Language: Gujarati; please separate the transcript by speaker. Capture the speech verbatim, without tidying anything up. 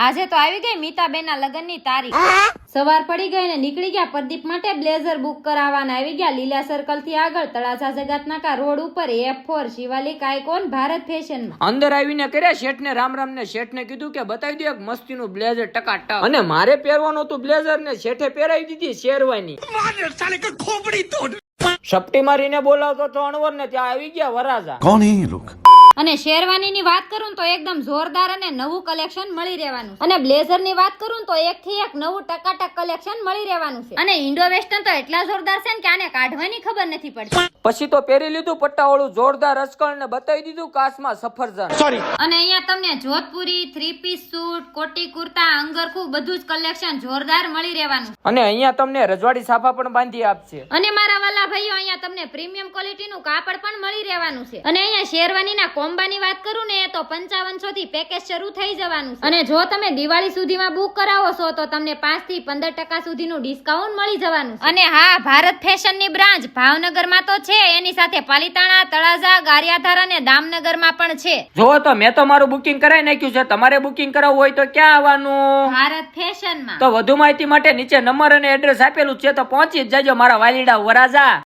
Speaker 1: આજે તો આવી ગઈ મીતાબેનના લગ્નની તારીખ. સવાર પડી ગઈ ને નીકળી ગયા પ્રદીપ માટે બ્લેઝર બુક કરાવવાના. આવી ગયા લીલા સર્કલ થી આગળ તળાજા જગતનાકા રોડ ઉપર F four Shivalik icon Bharat fashion માં.
Speaker 2: અંદર આવીને કર્યા શેઠ ને રામ રામ ને શેઠ ને કીધું કે બતાવી દે એક મસ્તીનું બ્લેઝર ટકાટક. અને મારે પહેરવાનું હતું બ્લેઝર ને શેઠે પહેરાવી દીધી શેરવાની. સપટી મારીને બોલાવતો તો અણવર ને ત્યાં આવી ગયા વરાજા.
Speaker 3: कौन है ये लोग?
Speaker 1: અને શેરવાની ની વાત કરું તો એકદમ જોરદાર અને નવું કલેક્શન મળી રહેવાનું છે. અને બ્લેઝર ની વાત કરું તો એક થી એક નવું ટકાટક કલેક્શન મળી રહેવાનું છે. અને ઇન્ડો વેસ્ટર્ન તો એટલા જોરદાર છે ને કે આને કાઢવાની ખબર નથી પડતી.
Speaker 2: પછી તો પહેરી લીધું પટ્ટાવાળું જોરદાર અસ્કળ ને બતાવી દીધું કાસમાં સફરજન. સોરી.
Speaker 1: અને અહીંયા તમને જોધપુરી થ્રી પીસ સૂટ કોટી કુર્તા અંગરખું બધું જ કલેક્શન જોરદાર મળી રહેવાનું.
Speaker 2: અને અહીંયા તમને રજવાડી સાફા પણ બાંધી આપશે.
Speaker 1: અને મારા વાલા ભાઈઓ અહીંયા તમને પ્રીમિયમ ક્વોલિટીનું કાપડ પણ મળી રહેવાનું છે. અને અહીંયા શેરવાનીના કોમ્બાની વાત કરું ને તો પંચાવનસો થી પેકેજ શરૂ થઈ જવાનું છે. અને જો તમે દિવાળી સુધીમાં બુક કરાવો છો તો તમને પાંચ થી પંદર ટકા સુધીનું ડિસ્કાઉન્ટ મળી જવાનું છે. અને હા, ભારત ફેશન ની બ્રાન્ચ ભાવનગરમાં તો છે, એની સાથે પાલીતાણા, તળાજા, ગારિયાધાર અને દામનગરમાં પણ છે.
Speaker 2: જો તો મેં તો મારું બુકિંગ કરાવી નાખ્યું છે. તમારે બુકિંગ કરાવવું હોય તો ક્યાં આવવાનું?
Speaker 1: ભારત ફેશન માં.
Speaker 2: તો વધુ માહિતી માટે નીચે નંબર અને એડ્રેસ આપેલું છે, તો પહોંચી જ જાજો મારા વાલીડા વરાજા.